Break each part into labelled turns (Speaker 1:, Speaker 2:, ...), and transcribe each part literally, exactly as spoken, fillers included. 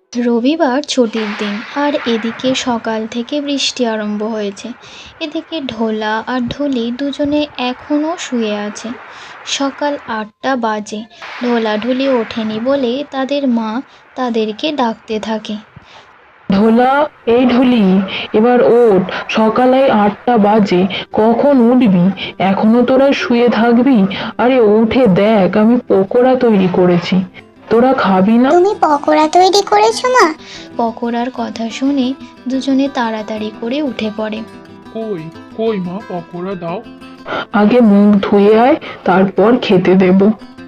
Speaker 1: রবিবার ছুটির দিন, আর এদিকে সকাল থেকে বৃষ্টি আরম্ভ হয়েছে। এদিকে ঢোলা আর ঢুলি দুজনে এখনও শুয়ে আছে। সকাল আটটা বাজে, ঢোলা ঢুলি ওঠেনি বলে তাদের মা তাদেরকে ডাকতে থাকে।
Speaker 2: ঢোলা, এই ঢুলি, এবার ওঠ। সকালে আটটা বাজে, কখন উঠবি? এখনো তোরা শুয়ে থাকবি? আরে উঠে দেখ, আমি পকোড়া তৈরি করেছি, তোরা খাবি না?
Speaker 3: তুমি পকোড়া তৈরি করেছো মা?
Speaker 1: পকোড়ার কথা শুনে দুজনে তাড়াতাড়ি করে উঠে পড়ে।
Speaker 4: কই কই মা, পকোড়া দাও।
Speaker 2: আগে মুখ ধুয়ে আয়, তারপর খেতে দেব।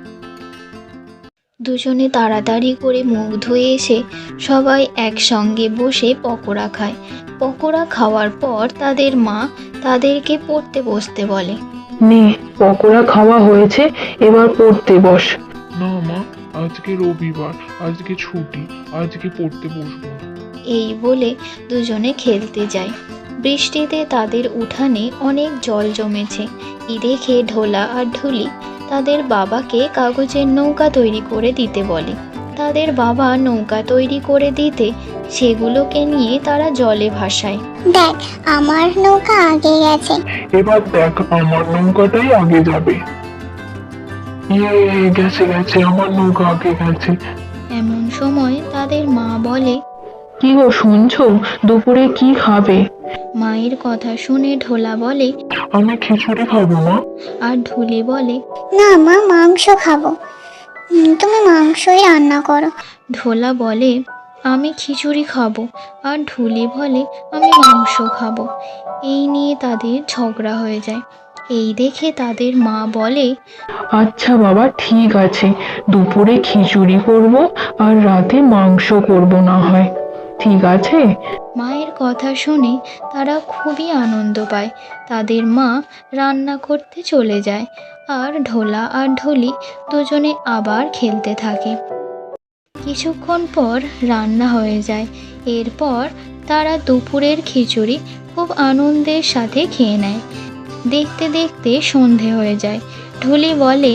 Speaker 1: দুজনে তাড়াতাড়ি করে মুখ ধুয়ে এসে সবাই একসঙ্গে বসে পকোড়া খায়। পকোড়া খাওয়ার পর তাদের মা তাদেরকে পড়তে বসতে বলে।
Speaker 2: নে, পকোড়া খাওয়া হয়েছে, এবার পড়তে বস।
Speaker 4: না মা, আজকে রবিবার, আজকে ছুটি, আজকে পড়তে বসবো না।
Speaker 1: এই বলে দুজনে খেলতে যায়। বৃষ্টিতে তাদের উঠানে অনেক জল জমেছে। এই দেখে ঢোলা আর ঢুলি তাদের বাবাকে কাগজের নৌকা তৈরি করে দিতে বলে। তাদের বাবা নৌকা তৈরি করে দিতে সেগুলোকে নিয়ে তারা জলে ভাসায়।
Speaker 3: দেখ, আমার নৌকা আগে গেছে।
Speaker 4: এবার দেখ, আমার নৌকাটাই আগে যাবে। ইয়ে, গেছে গেছে, আমার নৌকা আগে গেছে।
Speaker 1: এমন সময় তাদের মা বলে।
Speaker 2: কি গো, শুনছো? দুপুরে কি খাবে?
Speaker 1: মায়ের কথা শুনে ঢোলা বলে।
Speaker 4: আমি খিচুড়ি খাবো মা।
Speaker 1: আর ঢুলি বলে।
Speaker 3: না মা, মাংস খাবো। উম, তুমি মাংসই রান্না করো।
Speaker 1: ঢোলা বলে, আমি খিচুড়ি খাবো। আর ঢুলি বলে, আমি মাংস খাবো। এই নিয়ে তাদের ঝগড়া হয়ে যায়। এই দেখে তাদের মা বলে।
Speaker 2: আচ্ছা বাবা, ঠিক আছে, দুপুরে খিচুড়ি করব আর রাতে মাংস করব না হয়, ঠিক আছে?
Speaker 1: মায়ের কথা শুনে তারা খুবই আনন্দ পায়। তাদের মা রান্না করতে চলে যায়, আর ঢোলা আর ঢুলি দুজনে আবার খেলতে থাকে। কিছুক্ষণ পর রান্না হয়ে যায়। এরপর তারা দুপুরের খিচুড়ি খুব আনন্দের সাথে খেয়ে নেয়। দেখতে দেখতে সন্ধে হয়ে যায়। ঢুলি বলে।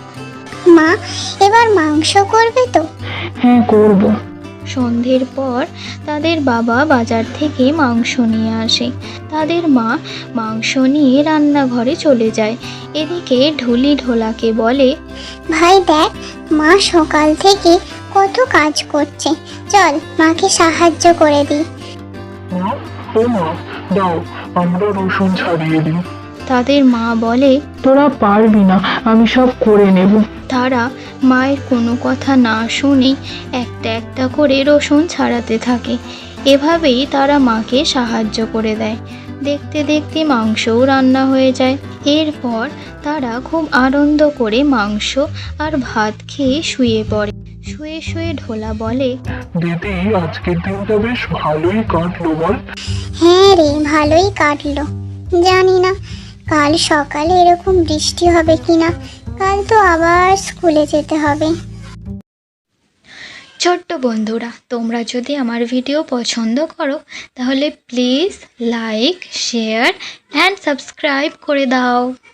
Speaker 3: মা, এবার মাংস করবে তো?
Speaker 2: হ্যাঁ, করব।
Speaker 1: সন্ধ্যের পর তাদের বাবা বাজার থেকে মাংস নিয়ে আসে। তাদের মা মাংস নিয়ে রান্নাঘরে চলে যায়। এদিকে ঢুলি ঢোলাকে বলে।
Speaker 3: ভাই দেখ, মা সকাল থেকে কত কাজ করছে, চল মাকে সাহায্য করে দিই।
Speaker 4: মা, ও মা, দাও, আমরা রসুন ছাড়িয়ে দিই।
Speaker 1: তাদের মা বলে।
Speaker 2: তোরা পারবি না, আমি সব করে নেব।
Speaker 1: তারা মায়ের কোনো কথা না শুনে একটা একটা করে রসুন ছাড়াতে থাকে। এভাবেই তারা মাকে সাহায্য করে দেয়। দেখতে দেখতে মাংসও রান্না হয়ে যায়। এরপর তারা খুব আনন্দ করে মাংস আর ভাত খেয়ে শুয়ে পড়ে। শুয়ে শুয়ে ঢোলা বলে।
Speaker 4: দিদি, আজকের দিনটা বেশ ভালোই কাটলো বল।
Speaker 3: হ্যাঁ রে, ভালোই কাটলো। জানি না কাল সকালে এরকম বৃষ্টি হবে কিনা। কাল তো আবার স্কুলে যেতে হবে।
Speaker 1: ছোট্ট বন্ধুরা, তোমরা যদি আমার ভিডিও পছন্দ করো তাহলে please like, share and subscribe করে দাও।